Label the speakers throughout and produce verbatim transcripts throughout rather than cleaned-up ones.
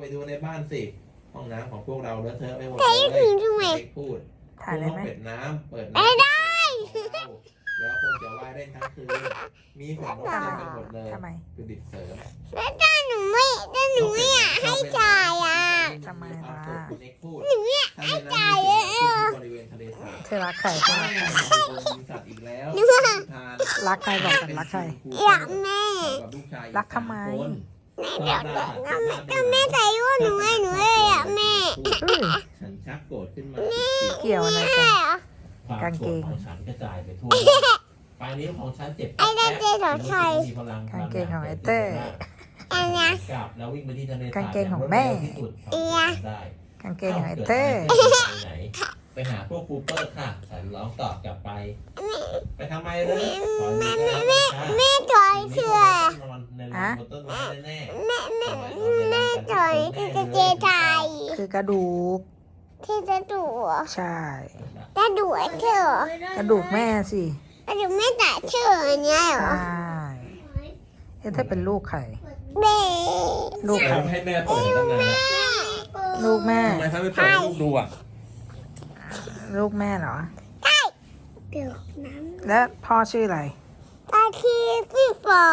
Speaker 1: ไปดูในบ้านสิห้องน้ำของพวกเราเลอะเทอะไปหมดเลย
Speaker 2: ถ่ายถึงทำไม
Speaker 1: เด็กพูด
Speaker 3: ถ่ายได้ไหม
Speaker 1: เปิดน้ำเปิดน้ำได้แล้วคงจะว่ายเล่นทั้งคืนมีขนนกเต็มไปหมดเลย
Speaker 3: ทำไม
Speaker 1: คือดิบเสริม
Speaker 2: แล้วถ้าหนูไม่ถ้าหนูไม่อยากให้จ่ายอ่ะ
Speaker 3: ทำไมล่ะ
Speaker 1: คุณเอกพูด
Speaker 2: หนูอยาก
Speaker 1: ถ้าในน้ำมีสิ่งที่บริเวณทะเลสาบ
Speaker 3: เธอรักใครเธอรักใคร
Speaker 1: มีสัตว์อีกแล้ว
Speaker 3: รักใครบอกกันรักใคร
Speaker 2: อยากแม่
Speaker 3: รักทำไม
Speaker 2: แม่อยากแต่ก็แม่ก็แม่ใส่ว่าหนูไงหนูเลยอยากแม่
Speaker 3: เฮ้ย
Speaker 1: ฉันชักโกรธขึ้นมา
Speaker 3: เกี่ยวอะไร
Speaker 2: แม่
Speaker 3: กัน
Speaker 2: เหรอ
Speaker 1: ความโกรธของฉันกระจายไปทั่วปลายนิ้วของฉันเจ็บ
Speaker 2: ไอ้นั่นเจ๊ของใคร
Speaker 1: มีพลัง
Speaker 3: กางเกงของไอ้เต้
Speaker 2: อันเนี้ย
Speaker 1: กลับแล้ววิ่งไปที่ทะเลสาบ
Speaker 3: กางเกงของแม่
Speaker 1: ที่สุดเท่าที่ทำได้
Speaker 3: กางเกงของไอ้เต้
Speaker 1: ไปไหนไปหาพวกคูเปอร์ค่ะฉันร้องตอบกลับไป ไปทำไมเลยขอดูก็แล้วกันค่ะ
Speaker 2: แม่ถอยเชื่อ
Speaker 1: นอนในรถบนต้นไม้แน่ๆ
Speaker 2: แม่แม่แม่ถอยที่จะเจไทย
Speaker 3: คือกระดูก
Speaker 2: ที่จะดู
Speaker 3: ใช่
Speaker 2: จะดูไอ้เธอก
Speaker 3: ระดูกแม่สิ
Speaker 2: จะดูแม่แต่เชื่ออันเนี้ยเหร
Speaker 3: ใช่
Speaker 2: อ
Speaker 3: เอ๊ะถ้าเป็นลูกใคร
Speaker 2: แม่
Speaker 3: ลูกใคร
Speaker 1: ให้แม่เปิดตั้งนาน
Speaker 3: ลูกแม่
Speaker 1: ทำไมเขาไม่เปิดให้ลูกดูอ่ะ
Speaker 3: ลูกแม่เหรอ
Speaker 2: เดี๋ยวน้
Speaker 3: แล้วพ่อชื่ออะไร
Speaker 2: ำตาคีพี่ปอ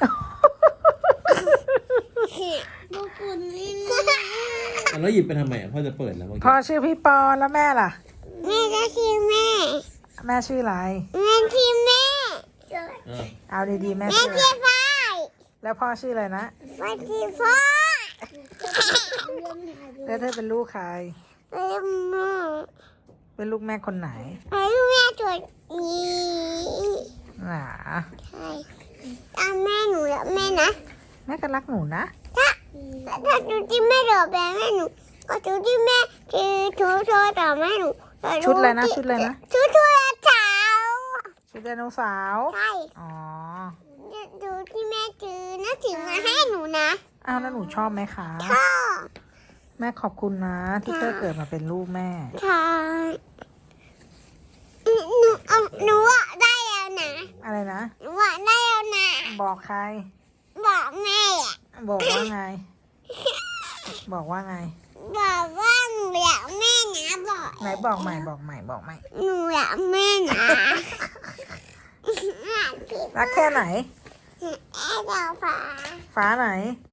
Speaker 2: บุกุนนี่นะ
Speaker 1: แล้วหยิบไปทำไมอ่ะพ่อจะเปิดแล้วเมื่อ
Speaker 3: พ่อ
Speaker 1: กี้
Speaker 3: ชื่อพี่ปอแล้วแม่ล่ะ
Speaker 2: แม่จะชื่อแม่
Speaker 3: แม่ชื่ออะไร
Speaker 2: แม่ที่แม่
Speaker 1: เออ
Speaker 3: เอาดีๆแม่
Speaker 2: แม่
Speaker 3: ชื่ออะไร
Speaker 2: ที่ฟ้าย
Speaker 3: แล้วพ่อชื่ออะไรนะ
Speaker 2: แม่ที่ฟ้า
Speaker 3: แล้วเธอเป็นลูกใคร
Speaker 2: แม่แม่
Speaker 3: เป็นลูกแม่คนไหน
Speaker 2: แม่แม่ตัวนี้
Speaker 3: หนา
Speaker 2: ใช่ตามแม่หนูแล้วแม่นะ
Speaker 3: แม่ก็รักหนูนะ
Speaker 2: ถ้าถ้าดูที่แม่เดือบแม่หนูก็ดูที่แม่คือชูโชว์ต่อแม่หนู
Speaker 3: ชุดอะไรนะชุดอะไรนะ
Speaker 2: ชุดชุดเช้า
Speaker 3: ชุดไดโนเสาร์
Speaker 2: ใช่
Speaker 3: อ๋อ
Speaker 2: ดูที่แม่ซื้อน่าถึงมาให้หนูนะ
Speaker 3: อ้าวแล้วหนูชอบไหมคะ
Speaker 2: พ่อ
Speaker 3: แม่ขอบคุณนะ ที่เธอเกิดมาเป็นลูกแม่
Speaker 2: ใช่หนูเอาหนูอะได้แล้วนะ
Speaker 3: อะไรนะ
Speaker 2: หนูอะได้แล้วนะ
Speaker 3: บอกใคร
Speaker 2: บอกแม่อะ
Speaker 3: บอกว่าไง บอกว่าไง
Speaker 2: บอกว่าหนูอยากแม่นะบอก
Speaker 3: ไหนบอกใหม่บอกใหม่บอกใหม่
Speaker 2: หนูอยากแม่นะ
Speaker 3: รักแค่ไหน
Speaker 2: แม่ดาวฟ้า
Speaker 3: ฟ้าไหน